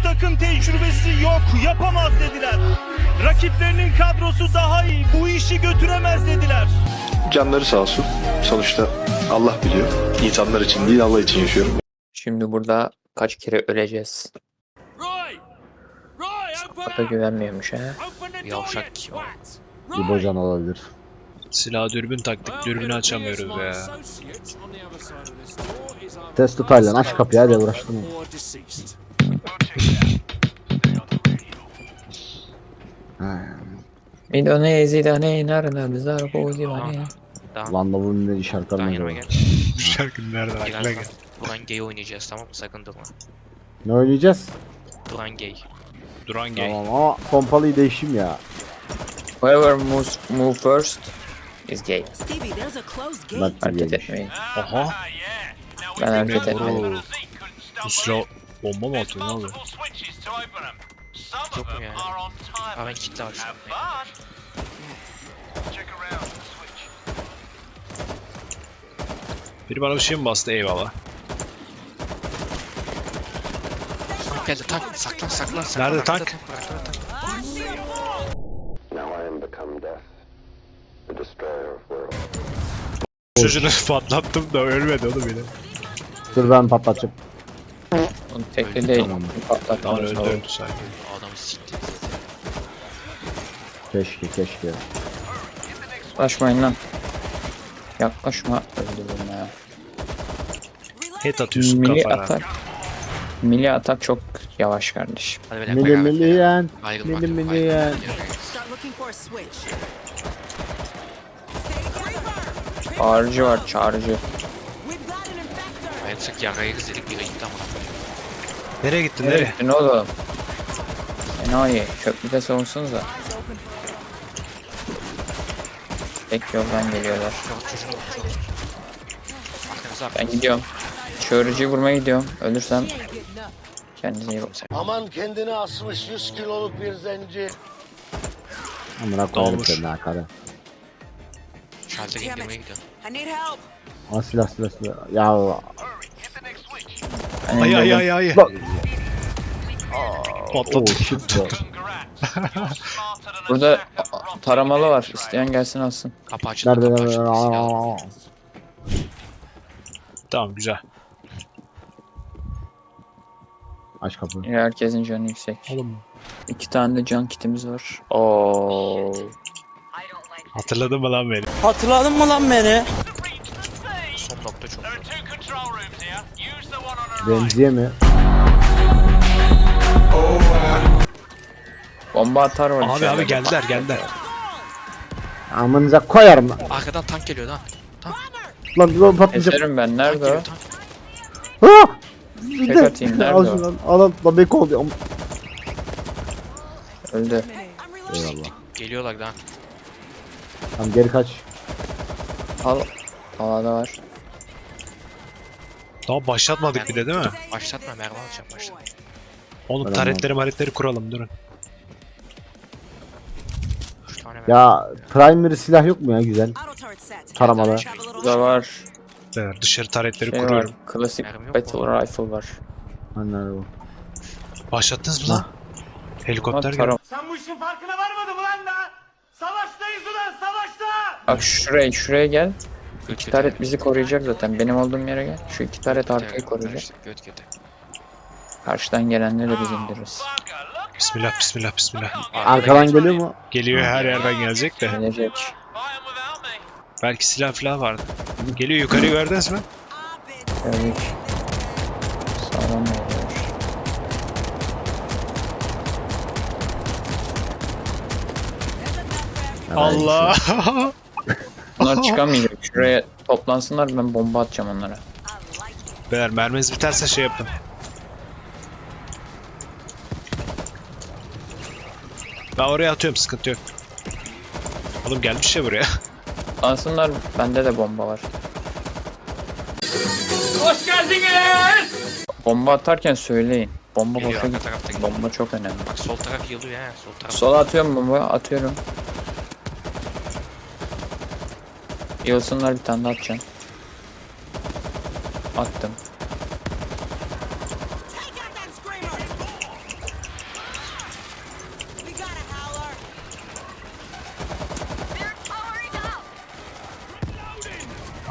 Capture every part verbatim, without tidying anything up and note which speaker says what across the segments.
Speaker 1: takım tecrübesi yok, yapamaz dediler. Rakiplerinin kadrosu daha iyi, bu işi götüremez dediler.
Speaker 2: Canları sağ olsun. Sonuçta Allah biliyor. İnsanlar için değil, Allah için yaşıyorum.
Speaker 3: Şimdi burada kaç kere öleceğiz? Sakata güvenmiyormuş ha.
Speaker 4: Yavşak kim o?
Speaker 5: İbocan olabilir.
Speaker 6: Silah dürbün taktık, dürbünü açamıyoruz ya.
Speaker 5: Test Taylan aç kapıyı hadi uğraştım.
Speaker 3: Midonezi da ne narına bizar bozi var ya.
Speaker 4: Tamam.
Speaker 5: Lan da bunun ne
Speaker 4: Daha
Speaker 5: şarkılarına
Speaker 4: yanıma
Speaker 5: göre.
Speaker 4: gel.
Speaker 6: Bu şarkı nereden aklına
Speaker 4: Birazdan
Speaker 6: gel?
Speaker 4: Duran Gay oynayacağız, tamam mı? Sakın durma.
Speaker 5: Ne oynayacağız?
Speaker 4: Duran Gay.
Speaker 6: Duran Gay.
Speaker 5: Tamam ama pompalıyı değişim ya.
Speaker 3: Whoever moves move first is gay.
Speaker 7: Stevie, there's a closed gate.
Speaker 5: Bak
Speaker 3: Hareket
Speaker 5: yemiş.
Speaker 3: etmeyin.
Speaker 6: Oha.
Speaker 3: Ben hareket
Speaker 6: Oo.
Speaker 3: etmedim.
Speaker 6: Bu silah bomba mı atıyor ne oluyor?
Speaker 4: Yok mu yani? Aa ben kitle var şu an.
Speaker 6: Biri bana bir şey mi bastı? Eyvallah.
Speaker 4: Tank geldi, tank. Saklan, saklan, saklan.
Speaker 6: Nerede
Speaker 4: Arkada
Speaker 6: tank?
Speaker 4: var, arkada tank.
Speaker 8: Now I am become death, the destroyer of worlds.
Speaker 6: Çocuğunu patlattım da ölmedi oğlum yine.
Speaker 5: Dur ben patlatacağım.
Speaker 3: Onu tekli değil.
Speaker 5: Tamam.
Speaker 6: Tamam
Speaker 3: Patlatmamız
Speaker 6: öldü
Speaker 3: lazım.
Speaker 6: öldü sanki.
Speaker 4: Adamı sikti.
Speaker 5: Keşke keşke.
Speaker 3: Yaklaşmayın lan. Yaklaşma. Öldürürüm ya.
Speaker 6: Hit atıyorsun
Speaker 3: Milli
Speaker 6: kafana.
Speaker 3: atak. Milli atak çok yavaş kardeşim.
Speaker 4: Hadi beyler,
Speaker 5: Mili
Speaker 4: beraber.
Speaker 5: miliyen.
Speaker 4: Ayrılmak
Speaker 5: Mili
Speaker 4: yok,
Speaker 5: miliyen.
Speaker 4: ayrılmak yok.
Speaker 7: Start looking for a switch.
Speaker 3: Çağrıcı var çağrıcı.
Speaker 7: We've got an infector.
Speaker 4: Ayrılsak yarayırız dedik, biri gitti amına.
Speaker 6: Nereye gittin
Speaker 3: Nereye
Speaker 6: nereye?
Speaker 3: gittin oğlum? Enayi. Köprüde savunsanıza. Tek yoldan geliyorlar.
Speaker 4: Yok çocuğunu vur, çocuğunu vur. Arkanıza
Speaker 3: Ben gidiyorum. Çağrıcıyı vurmaya gidiyorum. Ölürsem
Speaker 7: She ain't getting up.
Speaker 3: kendinize iyi bakın.
Speaker 8: Aman kendini asmış yüz kiloluk bir zenci.
Speaker 5: Amına koyarım
Speaker 6: Dolmuş.
Speaker 5: seni ha karı.
Speaker 4: Şalter
Speaker 7: Damn
Speaker 4: indirmeye
Speaker 7: it.
Speaker 4: gidiyorum.
Speaker 7: I need help.
Speaker 5: Aa silah silah silah. Ya
Speaker 3: Ben
Speaker 6: Ay ay
Speaker 3: indirdim.
Speaker 6: ay ay.
Speaker 5: Bak.
Speaker 6: Patladı.
Speaker 5: oh shit bro.
Speaker 3: Burada taramalı var. İsteyen gelsin alsın.
Speaker 4: Kapı açıldı,
Speaker 5: Nerede
Speaker 4: kapı
Speaker 5: nerede?
Speaker 4: açıldı. Silah.
Speaker 5: Aa.
Speaker 6: Tamam güzel.
Speaker 5: Aç kapıyı.
Speaker 3: Yine herkesin canı yüksek.
Speaker 6: Oğlum
Speaker 3: İki tane de can kitimiz var. Oo.
Speaker 6: hatırladın mı lan beni?
Speaker 4: Son nokta çok zor.
Speaker 5: Remziye mi?
Speaker 3: Bomba atar var
Speaker 6: Abi
Speaker 3: içeride.
Speaker 6: abi geldiler geldiler.
Speaker 5: Amınıza koyarım lan.
Speaker 4: Arkadan tank geliyor lan.
Speaker 5: Lan lan patlayacak.
Speaker 3: Eserim ben.
Speaker 4: Tank
Speaker 3: Nerede
Speaker 4: geliyor,
Speaker 3: o?
Speaker 4: tank.
Speaker 5: Ha!
Speaker 3: Tek atayım. Nerede
Speaker 5: Al
Speaker 3: o?
Speaker 5: şunu lan. Al al. Lan bek oldu.
Speaker 3: Öldü.
Speaker 5: Eyvallah.
Speaker 4: Geliyorlar lan.
Speaker 5: Tamam geri kaç.
Speaker 3: Al. Havada var.
Speaker 6: Daha başlatmadık bile değil mi?
Speaker 4: Başlatma, mermi alacağım, başlatma.
Speaker 6: Oğlum
Speaker 5: Tamam.
Speaker 6: taretleri maretleri kuralım durun.
Speaker 4: Üç tane mermi.
Speaker 5: Ya primary silah yok mu ya güzel?
Speaker 7: Auto turret set.
Speaker 5: Taramalı.
Speaker 7: Travel a little
Speaker 3: Burada var.
Speaker 6: Beyler dışarı taretleri
Speaker 3: Şey var.
Speaker 6: kuruyorum.
Speaker 3: Klasik
Speaker 4: Mermi yok
Speaker 3: battle
Speaker 4: mu?
Speaker 3: rifle var.
Speaker 5: Hani nerede bu?
Speaker 6: Başlattınız mı lan? Helikopter
Speaker 3: Ama
Speaker 6: geldi.
Speaker 3: taram.
Speaker 1: Sen bu işin farkına varmadın mı lan da? Savaştayız ulan, savaşta!
Speaker 3: Bak şuraya şuraya gel.
Speaker 4: Göt
Speaker 3: İki
Speaker 4: göte.
Speaker 3: taret bizi koruyacak zaten. Benim olduğum yere gel. Şu iki taret arkayı koruyacak.
Speaker 4: Göt göte.
Speaker 3: Karşıdan gelenleri de biz indiririz.
Speaker 6: Bismillah bismillah bismillah.
Speaker 5: Arkadan geliyor mu?
Speaker 6: Geliyor her yerden gelecek de.
Speaker 3: Gelecek.
Speaker 6: Belki silah falan vardı. Geliyor yukarıyı gördünüz mü?
Speaker 3: Geldik. Sağlam oluyor.
Speaker 6: Allah.
Speaker 3: Bunlar çıkamayacak. Şuraya toplansınlar, ben bomba atacağım onlara.
Speaker 6: Beyler merminiz biterse şey yapın. Ben oraya atıyorum sıkıntı yok. Oğlum gelmiş ya buraya.
Speaker 3: Toplansınlar, bende de bomba var.
Speaker 1: Hoş geldiniz!
Speaker 3: Bomba atarken söyleyin. Bomba
Speaker 4: Geliyor,
Speaker 3: boşa
Speaker 4: arka
Speaker 3: git.
Speaker 4: tarafta geliyor.
Speaker 3: Bomba çok önemli.
Speaker 4: Bak sol taraf yılıyor ha, sol taraf.
Speaker 3: Sola atıyorum bomba, atıyorum. Yılsınlar, bir tane daha atacağım. Attım.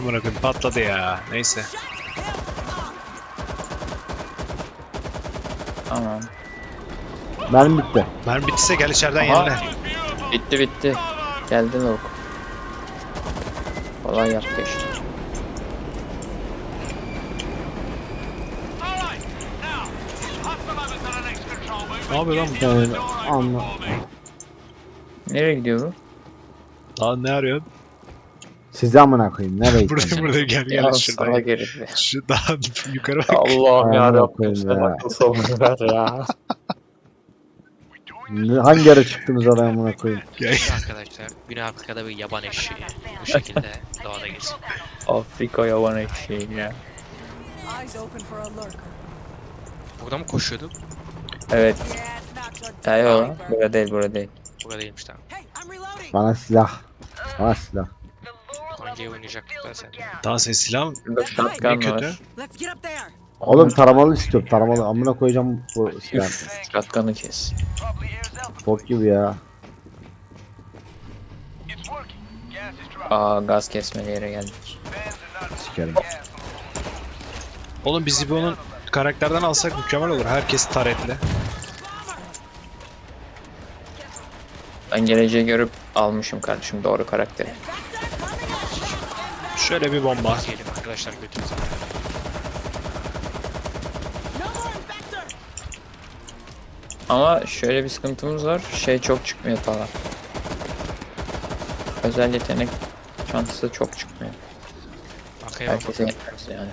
Speaker 6: Amına koyayım patladı ya. Neyse.
Speaker 3: Tamam.
Speaker 5: Mermi bitti.
Speaker 6: Mermi bittiyse gel içeriden
Speaker 3: Aha.
Speaker 6: yenile.
Speaker 3: Bitti bitti. Geldi lavuk. Kolay yaptı işte.
Speaker 6: Ne yapıyor lan bu?
Speaker 5: Yani, anla.
Speaker 3: Nereye gidiyor bu?
Speaker 6: Lan ne arıyorsun?
Speaker 5: Sizi amına koyayım. Nereye
Speaker 6: Buradayım
Speaker 5: gidiyorsun?
Speaker 6: buradayım gel
Speaker 3: Ya
Speaker 6: gel
Speaker 3: salak
Speaker 6: şuradan.
Speaker 3: herif.
Speaker 6: Şu daha yukarı bak.
Speaker 3: Allah'ım
Speaker 5: Ayağına
Speaker 3: yarabbim
Speaker 5: koyayım
Speaker 3: sen
Speaker 5: ya.
Speaker 3: akıl savunu ver ya.
Speaker 5: Ne- Hangi ara çıktınız oraya amına koyayım?
Speaker 6: Gel.
Speaker 4: Arkadaşlar Güney Afrika'da bir yaban eşeği bu şekilde doğada geziyor.
Speaker 3: Afrika yavan eşeği ya.
Speaker 7: Eyes open for a lurker.
Speaker 4: Burada mı koşuyorduk?
Speaker 3: Evet.
Speaker 7: Yeah, it's not your
Speaker 3: Hayır
Speaker 7: day,
Speaker 3: o.
Speaker 7: Reaper.
Speaker 3: Burada değil burada değil.
Speaker 4: Burada değilmiş tamam.
Speaker 7: Hey, I'm reloading.
Speaker 5: Bana silah. Bana silah.
Speaker 4: Hangi oynayacaktık da sen?
Speaker 6: Daha senin silahın
Speaker 3: Burada
Speaker 6: ne
Speaker 3: shotgun
Speaker 6: kötü.
Speaker 3: var.
Speaker 7: Let's get up there.
Speaker 5: Oğlum taramalı istiyorum. Taramalı. Amına koyacağım bu silah.
Speaker 3: Üf, shotgun'ı kes.
Speaker 5: Bok gibi ya.
Speaker 3: Aa gaz kesmeli yere geldik.
Speaker 5: Sikerim.
Speaker 6: Oğlum biz İbo'nun karakterden alsak mükemmel olur. Herkes taretli.
Speaker 3: Ben geleceği görüp almışım kardeşim doğru karakteri.
Speaker 6: Şöyle bir bomba.
Speaker 4: Diyelim arkadaşlar götürürüz.
Speaker 7: No more infector.
Speaker 3: Ama şöyle bir sıkıntımız var. Şey çok çıkmıyor falan. Özel yetenek çantası çok çıkmıyor.
Speaker 4: Arkaya bak.
Speaker 3: Herkese yetmez yani.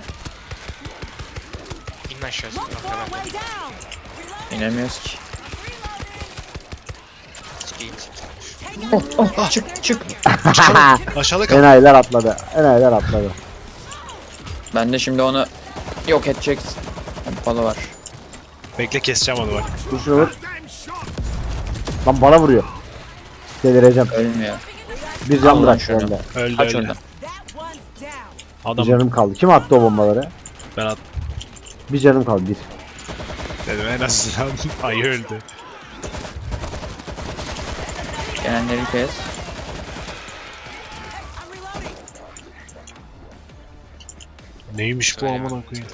Speaker 4: İn aşağı.
Speaker 7: Look for a
Speaker 4: Arkaya
Speaker 7: way down.
Speaker 3: İnemiyoruz ki.
Speaker 4: Sikeyim sikeyim.
Speaker 3: Oh oh çık çık.
Speaker 6: Aşağıda kal.
Speaker 5: Enayiler atladı. Enayiler atladı.
Speaker 3: Ben de şimdi onu yok edecek pompalı var.
Speaker 6: Bekle keseceğim onu bak.
Speaker 5: Dur şunu vur. Lan bana vuruyor. Delireceğim.
Speaker 3: Ölmüyor.
Speaker 5: Bir can
Speaker 3: Allah
Speaker 5: bırak
Speaker 3: şunu.
Speaker 5: bende.
Speaker 6: Öldü
Speaker 3: Aç
Speaker 6: öldü.
Speaker 3: onu.
Speaker 7: That one's down.
Speaker 5: Bir
Speaker 6: Adam
Speaker 5: canım kaldı. Kim attı o bombaları?
Speaker 6: ben at
Speaker 5: Bir canım kaldı. Bir.
Speaker 6: dedim en azından ayı öldü.
Speaker 3: Gelenleri kes.
Speaker 7: I'm reloading.
Speaker 6: Neymiş bu amına koyayım?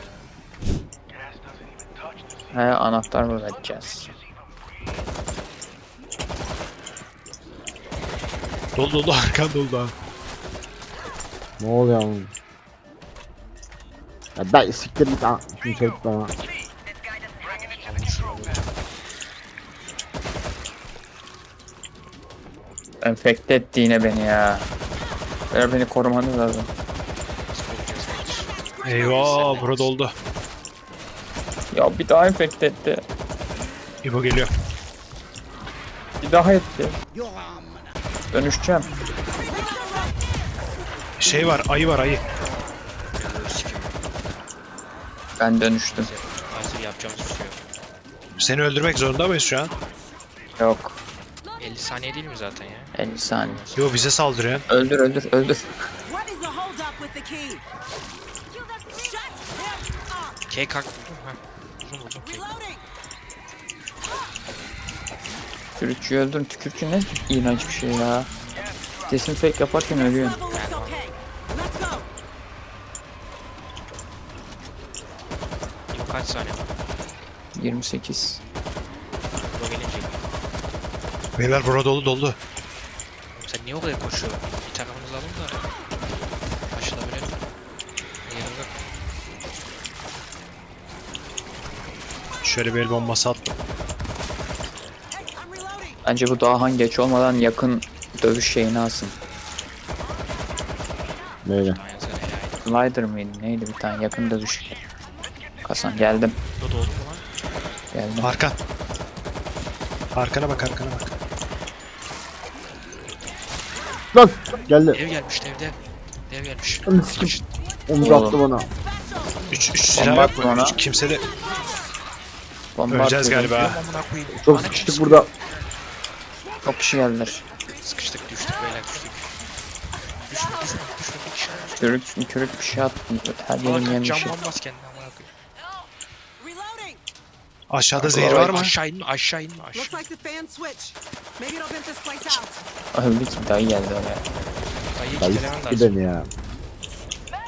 Speaker 3: He anahtar bulacağız.
Speaker 6: Dolu dolu arkan dolu daha.
Speaker 5: Ne oluyor oğlum? Ya ben siktir git. Aa, şunu çabuk bana.
Speaker 3: Enfekte etti yine beni ya. Ver beni korumanız lazım.
Speaker 6: Eyvah burada oldu.
Speaker 3: Ya bir daha enfekte etti.
Speaker 6: İbo geliyor.
Speaker 3: Bir daha etti. Dönüşeceğim.
Speaker 6: Şey var ayı var ayı.
Speaker 3: Ben dönüştüm.
Speaker 4: Hazır yapacağımız bir şey yok.
Speaker 6: Seni öldürmek zorunda mıyız şu an?
Speaker 3: Yok.
Speaker 4: elli saniye değil mi zaten ya?
Speaker 3: elli saniye.
Speaker 6: Yo bize saldırıyor.
Speaker 3: Öldür öldür öldür.
Speaker 7: What is the hold up with the key? Shut him up.
Speaker 4: K kalk buldum ha. Buldum buldum. K.
Speaker 7: Reloading.
Speaker 3: Tükürükçüyü öldürün. Tükürükçü ne iğrenç bir şey ya. Desinfek yaparken ölüyorsun.
Speaker 7: Level looks okay. Let's go.
Speaker 4: İbo kaç saniye var?
Speaker 3: yirmi sekiz.
Speaker 4: İbo gelince.
Speaker 6: Beyler burada dolu dolu.
Speaker 4: Sen niye o kadar koşuyorsun? Bir takımınızı alın da. Aşılabilelim. Yanımda.
Speaker 6: Şöyle bir el bombası attım.
Speaker 7: Hey, I'm reloading.
Speaker 3: Bence bu daha geç olmadan yakın dövüş şeyini alsın.
Speaker 5: Böyle.
Speaker 4: Aynen sen helal.
Speaker 3: Slider mıydı neydi bir tane yakın dövüş. Kasan geldim.
Speaker 4: Bu da oldu mu lan?
Speaker 3: Geldim.
Speaker 6: Arkan. Arkana bak arkana bak.
Speaker 5: Lan geldi.
Speaker 4: Dev gelmiş dev dev. Dev gelmiş.
Speaker 5: Lan sikim. Omuz attı bana.
Speaker 6: Üç, üç
Speaker 3: Bomba
Speaker 6: silah yok
Speaker 3: attım
Speaker 6: mu?
Speaker 3: ona.
Speaker 6: Üç, kimse de
Speaker 3: Bomba
Speaker 6: öleceğiz
Speaker 3: atıyor.
Speaker 6: galiba.
Speaker 4: Amına koyayım.
Speaker 5: Çok
Speaker 4: Bana
Speaker 5: sıkıştık
Speaker 4: kimse-
Speaker 5: burada.
Speaker 3: Çok kişi geldiler.
Speaker 4: Sıkıştık düştük beyler düştük. Düşme düşme düşme bir kişi var.
Speaker 3: Kürük, kürük bir şey attı. Her yerim
Speaker 4: Salak
Speaker 3: yemişim.
Speaker 4: cam bombas kendine amına koyayım.
Speaker 7: Reloading.
Speaker 6: Aşağıda zehir var mı?
Speaker 4: Aşağı inme aşağı inme
Speaker 7: Looks
Speaker 4: aşağı.
Speaker 7: like the fan switch. Maybe it'll vent this place out.
Speaker 3: Öldü ki dayı geldi oraya.
Speaker 4: Dayı
Speaker 5: Dayı
Speaker 4: kitlemen
Speaker 5: sikti
Speaker 4: lazım.
Speaker 5: beni ya.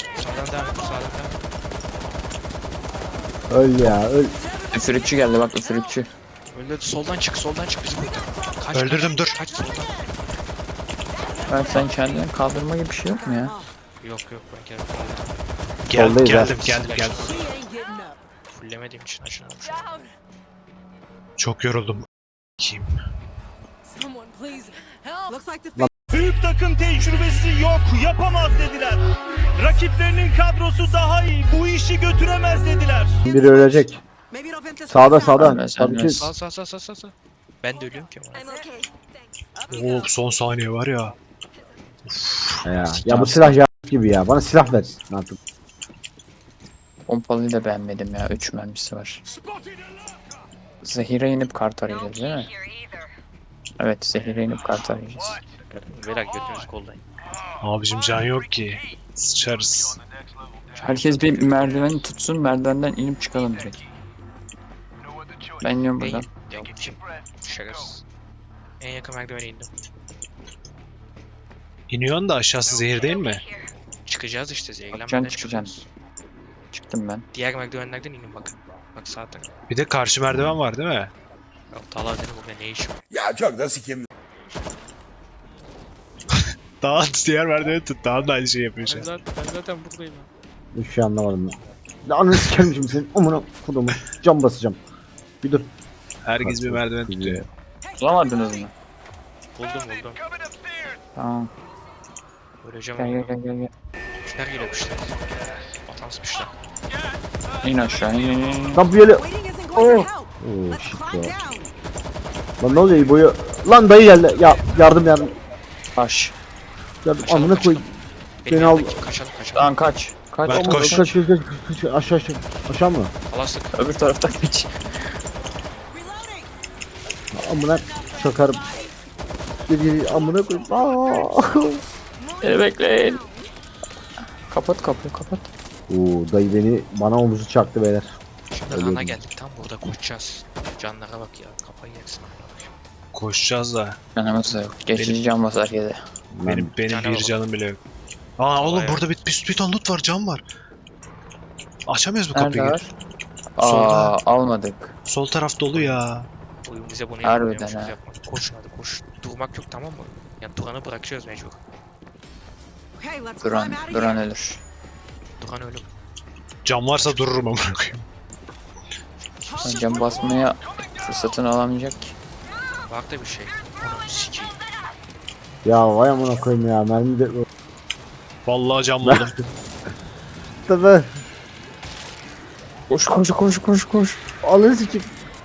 Speaker 4: Sağdan devam et. Sağdan devam et.
Speaker 5: Öl ya öl.
Speaker 3: Üfürükçü geldi bak üfürükçü.
Speaker 4: Öyle soldan çık. Soldan çık. Bizim burada. Kaç,
Speaker 6: Öldürdüm,
Speaker 4: kaç,
Speaker 6: dur.
Speaker 4: Kaç soldan.
Speaker 3: Ben sen kendini kaldırma gibi bir şey yok mu ya?
Speaker 4: Yok yok ben geldim.
Speaker 6: Gel,
Speaker 5: Soldayız
Speaker 6: geldim
Speaker 5: ha.
Speaker 6: geldim geldim.
Speaker 7: She ain't getting up.
Speaker 4: Fullemediğim için aşağıya almışım.
Speaker 6: Çok yoruldum. Kim?
Speaker 7: Someone please help. Looks like the
Speaker 1: Büyük takım tecrübesi yok, yapamaz dediler. Rakiplerinin kadrosu daha iyi, bu işi götüremez dediler.
Speaker 5: Biri ölecek.
Speaker 7: maybe it'll vent this
Speaker 5: Sağda
Speaker 7: place out.
Speaker 5: sağda.
Speaker 3: Ölmez,
Speaker 5: Tabii ki.
Speaker 3: ölmez.
Speaker 4: Sağ sağ sağ sağ sağ sağ. Ben de ölüyorum ki ama.
Speaker 7: I'm okay. Thanks. Up you
Speaker 6: Oo
Speaker 7: go.
Speaker 6: son saniye var ya.
Speaker 5: Ya, ya bu silah ya gibi ya. Bana silah ver. Ne yapayım?
Speaker 3: Pompalıyı da beğenmedim ya. üç mermisi var. Zehire inip kart arayacağız değil mi? Evet zehire inip kart arayacağız.
Speaker 4: Beyler götünüzü kollayın.
Speaker 6: Abicim can yok ki. Sıçarız.
Speaker 3: Herkes bir merdiveni tutsun, merdivenden inip çıkalım direkt. Ben iniyorum buradan.
Speaker 4: Yok kim? Şakasız. En yakın merdivene indim.
Speaker 6: İniyorsun da aşağısı zehir değil mi?
Speaker 4: Çıkacağız işte zehirlenmeden
Speaker 3: Çıkacaksın,
Speaker 4: çıkacağız.
Speaker 3: çıkacaksın. Çıktım ben.
Speaker 4: Diğer merdivenlerden inin bakın. Bak sağ taraf.
Speaker 6: Bir de karşı merdiven var değil mi?
Speaker 4: Ya Talha dedim burada ne iş var?
Speaker 6: Daha diğer merdiveni tut. Daha da aynı şey yapıyor şu
Speaker 4: Ben
Speaker 6: an.
Speaker 4: zaten, ben zaten buradayım.
Speaker 5: Hiçbir şey anlamadım ben. Ya ananı sikerim şimdi senin. Amına kodumu. Cam basacağım. Bir dur.
Speaker 6: Herkes bir merdiven tutuyor.
Speaker 3: Bulamadınız mı?
Speaker 4: Buldum buldum.
Speaker 3: Tamam.
Speaker 4: Öleceğim
Speaker 3: Gel
Speaker 4: ama.
Speaker 3: gel gel gel. gel.
Speaker 4: Kişiler geliyormuşlar. Atansmışlar.
Speaker 3: İn aşağı in in in.
Speaker 5: Lan bu yere.
Speaker 7: Waiting isn't going to help.
Speaker 5: Oo
Speaker 7: Let's
Speaker 5: shit
Speaker 7: climb
Speaker 5: ya.
Speaker 7: down.
Speaker 5: Lan ne oluyor boyu? Lan dayı geldi. Ya yardım yardım.
Speaker 3: Taş.
Speaker 5: Yardım
Speaker 4: Kaçalım,
Speaker 5: amına koy.
Speaker 4: kaçalım.
Speaker 5: Beni
Speaker 4: Beni
Speaker 5: al.
Speaker 4: al. Kaçalım kaçalım.
Speaker 3: Lan kaç. Kaç.
Speaker 6: Ben
Speaker 5: Aman,
Speaker 6: koş.
Speaker 5: Kaç kaç kaç kaç. Aşağı aşağı. Aşağı mı?
Speaker 4: Alastık.
Speaker 3: Öbür taraftan kaç.
Speaker 7: Reloading.
Speaker 5: Amına çakarım. Dedi amına koy. Aa.
Speaker 3: Beni bekleyin. Kapat kapıyı kapat.
Speaker 5: Oo dayı beni bana omuzu çaktı beyler.
Speaker 4: Şimdi
Speaker 5: Ölüyorum.
Speaker 4: Han'a geldik. Tam burada koşacağız. Canlara bak ya. Kafayı yersin.
Speaker 6: Koşacağız da.
Speaker 3: Canımız da yok. Geçici can basar yedi.
Speaker 6: Benim benim
Speaker 4: Canı
Speaker 6: bir
Speaker 4: alalım.
Speaker 6: canım bile yok. Aa oğlum
Speaker 4: Bayağı.
Speaker 6: burada bir, bir, bir ton loot var, cam var. Açamıyoruz bu
Speaker 3: Nerede
Speaker 6: kapıyı.
Speaker 3: var? Aa
Speaker 6: Solda.
Speaker 3: almadık.
Speaker 6: Sol taraf dolu ya.
Speaker 4: Oyun bize bunu
Speaker 3: Harbiden
Speaker 4: yapmıyormuş,
Speaker 3: ha.
Speaker 4: yapmadık. Koşun hadi koş. Durmak yok tamam mı? Yani Duran'ı bırakacağız mecbur.
Speaker 7: Okay, let's
Speaker 3: Duran,
Speaker 7: climb out of
Speaker 3: Duran
Speaker 7: here.
Speaker 3: ölür.
Speaker 4: Duran ölüm.
Speaker 6: Cam varsa dururum amına koyayım.
Speaker 3: Ben can basmaya fırsatını alamayacak ki.
Speaker 4: Var da bir şey. Onu sikeyim.
Speaker 5: Ya vay amına koyayım ya. Mermi de
Speaker 6: Vallahi cam buldum.
Speaker 5: tabii.
Speaker 3: Koş koş koş koş koş.
Speaker 5: Alın sikip.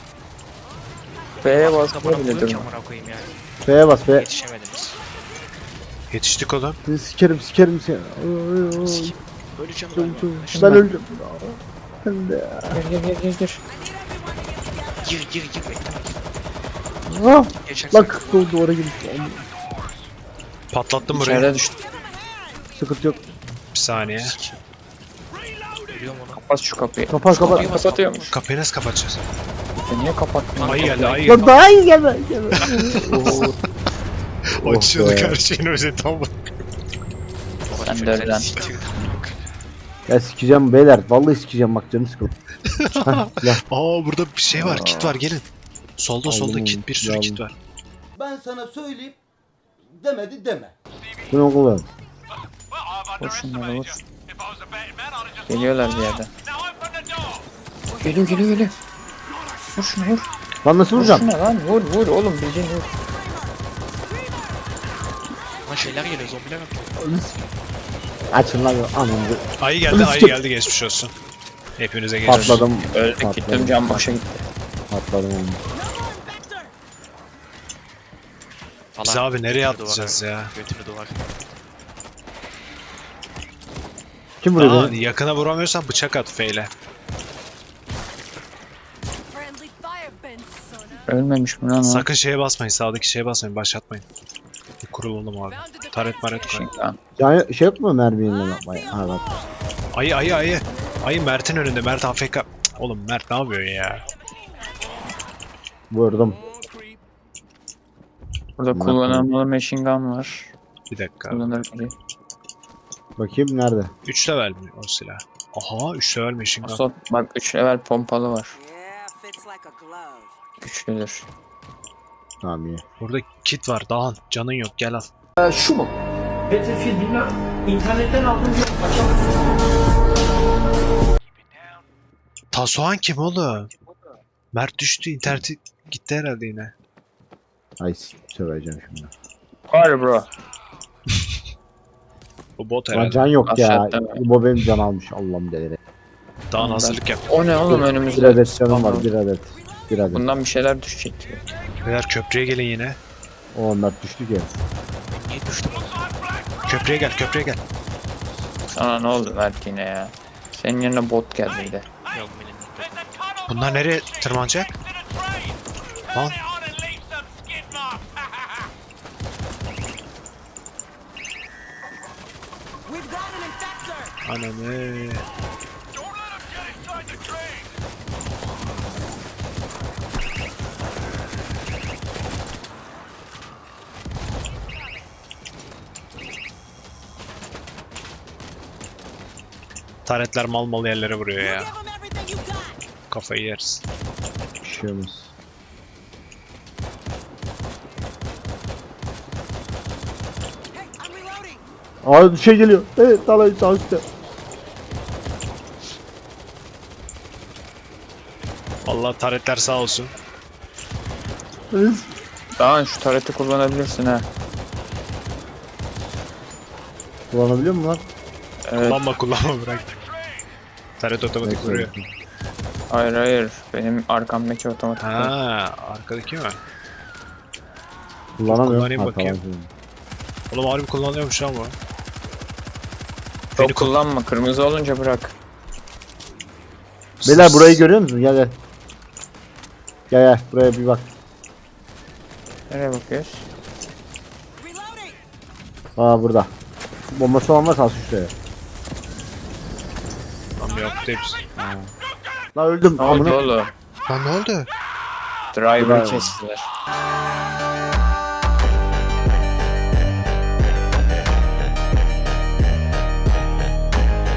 Speaker 3: F'ye
Speaker 4: Bana
Speaker 3: basmaya bile
Speaker 4: koyayım ki
Speaker 3: durma.
Speaker 4: amına koyayım yani.
Speaker 5: F'ye bas F.
Speaker 4: Yetişemediniz.
Speaker 6: Yetiştik oğlum.
Speaker 5: Seni sikerim sikerim seni.
Speaker 4: Sikeyim. Öleceğim
Speaker 5: Öldüm.
Speaker 4: galiba.
Speaker 5: Ben öldüm. Ben de.
Speaker 3: Gel gel gel gel gel.
Speaker 4: Gir gir gir bekle.
Speaker 5: Ah,
Speaker 4: Geçersin.
Speaker 5: bak du- duvara girmiş.
Speaker 6: Patlattım burayı.
Speaker 3: İçeride düştü.
Speaker 5: Sıkıntı yok.
Speaker 6: Bir saniye.
Speaker 4: Sikeyim. Ölüyorum onu.
Speaker 3: Kapat şu kapıyı.
Speaker 5: Kapat kapat.
Speaker 4: Kapıyı bas,
Speaker 3: Kapatıyormuş.
Speaker 6: Kapıyı nasıl kapatacağız?
Speaker 3: E niye kapattın?
Speaker 6: Ayı geldi, ayı
Speaker 5: Lan
Speaker 6: geldi.
Speaker 5: daha iyi gelme. gelme. Oo. Oh
Speaker 6: Açıyorduk
Speaker 5: be.
Speaker 6: her şeyin özeti ama.
Speaker 3: Sen de öyle lan.
Speaker 5: Ya sikeceğim beyler. Vallahi sikeceğim bak canım sıkıldı. Hah, ya.
Speaker 6: Aa burada bir şey var, kit var, gelin. Solda solda
Speaker 5: Aldım
Speaker 6: kit,
Speaker 5: onu,
Speaker 6: bir sürü
Speaker 5: aldım.
Speaker 6: kit var.
Speaker 9: Ben sana söyleyeyim demedi deme.
Speaker 5: Bu ne oğlum?
Speaker 3: Vur şunları vur. Geliyorlar bir yerden. Geliyor geliyor geliyor. Vur şunu vur.
Speaker 5: Lan nasıl
Speaker 3: Vur
Speaker 5: vuracağım?
Speaker 3: şuna lan vur vur oğlum bildiğin vur.
Speaker 4: Lan şeyler geliyor zombiler atıyor.
Speaker 5: Açın lan anamı.
Speaker 6: Ayı geldi,
Speaker 5: Onu
Speaker 6: ayı
Speaker 5: sikeyim.
Speaker 6: geldi, geçmiş olsun. Hepinize geçmiş.
Speaker 5: Patladım.
Speaker 3: Öldük gittim
Speaker 5: Patladım.
Speaker 3: can başa gitti.
Speaker 5: Patladım onu.
Speaker 6: Biz
Speaker 4: Falan.
Speaker 6: abi nereye
Speaker 4: Götünü
Speaker 6: atlayacağız
Speaker 4: duvara.
Speaker 6: ya?
Speaker 4: Götünü duvar.
Speaker 5: Kim vuruyor
Speaker 6: Aa,
Speaker 5: beni?
Speaker 6: yakına vuramıyorsan bıçak at feyle.
Speaker 7: Friendly fire fence, Sona.
Speaker 3: Ölmemiş mi lan o?
Speaker 6: Sakın şeye basmayın, sağdaki şeye basmayın, başlatmayın. Bir kurulalım abi. Taret maret koy.
Speaker 3: Şey, lan.
Speaker 5: Yani şey yok mu mermiyle yapmaya? Ha bak.
Speaker 6: Ayı ayı ayı. Ayı Mert'in önünde, Mert A F K. Cık, oğlum Mert ne yapıyor ya?
Speaker 5: Vurdum.
Speaker 3: Burada kullanılmalı machine gun var.
Speaker 6: Bir dakika.
Speaker 3: Kullanır biri.
Speaker 5: Bakayım nerede?
Speaker 6: üç level mi o silah? Aha üç level machine gun.
Speaker 3: Asot bak üç level pompalı var.
Speaker 7: Yeah, fits like a glove.
Speaker 3: Güçlüdür.
Speaker 5: Tamam iyi.
Speaker 6: Burada kit var Dağhan. Canın yok gel al.
Speaker 1: Şu mu? Battlefield bilmem. İnternetten aldım.
Speaker 6: Tasuhan kim oğlum? Mert düştü interneti gitti herhalde yine.
Speaker 5: Ay söyleyeceğim şimdi.
Speaker 3: Var bro.
Speaker 6: Bu bot
Speaker 5: Lan
Speaker 6: herhalde.
Speaker 5: can yok ya.
Speaker 3: Aşağıda mı?
Speaker 5: Bu benim can almış. Allah'ım delire.
Speaker 6: Dağhan hazırlık yap.
Speaker 3: O ne oğlum
Speaker 5: Bir
Speaker 3: önümüzde?
Speaker 5: adet canım var. Bir adet. Bir adet.
Speaker 3: Bundan bir şeyler düşecek gibi.
Speaker 6: Beyler köprüye gelin yine.
Speaker 5: O Mert düştü ki.
Speaker 4: Niye düştüm oğlum?
Speaker 6: Köprüye gel köprüye gel.
Speaker 3: Sana ne oldu Mert yine ya? Senin yerine bot geldi bir de.
Speaker 4: Yok benim yok.
Speaker 6: Bunlar nereye tırmanacak? Lan
Speaker 7: We've got an infector.
Speaker 6: ananı. Taretler mal mal yerlere vuruyor
Speaker 7: You
Speaker 6: ya.
Speaker 7: give them everything you got.
Speaker 6: Kafayı yeriz.
Speaker 5: Bir şey olmaz.
Speaker 7: Hey, I'm reloading.
Speaker 5: Aa bir şey geliyor. Evet dalayı sağ üstte.
Speaker 6: Vallahi taretler sağ olsun.
Speaker 5: Evet.
Speaker 3: Daha şu tareti kullanabilirsin ha.
Speaker 5: Kullanabiliyor musun lan?
Speaker 3: Evet.
Speaker 6: Kullanma kullanma bırak. Taret otomatik
Speaker 5: Bekle,
Speaker 6: vuruyor.
Speaker 5: bekle.
Speaker 3: Hayır hayır. Benim arkamdaki otomatik.
Speaker 6: Ha, arkadaki mi?
Speaker 5: Kullanamıyorum.
Speaker 6: Kullanayım
Speaker 5: Ha,
Speaker 6: bakayım.
Speaker 5: tamam.
Speaker 6: Oğlum harbi kullanıyormuş ama.
Speaker 3: Çok kullanma. Kırmızı olunca bırak.
Speaker 5: Beyler burayı görüyor musun? Gel gel. Gel gel buraya bir bak.
Speaker 3: Nereye bakıyoruz?
Speaker 7: Reloading.
Speaker 5: Aa burada. Bombası olan varsa al şuraya.
Speaker 6: Tamam yok hepsi.
Speaker 5: Lan öldüm.
Speaker 3: Ne oldu
Speaker 5: Amına.
Speaker 3: oğlum?
Speaker 6: Lan ne oldu?
Speaker 3: Driver'ı
Speaker 5: Bravo.
Speaker 3: kestiler.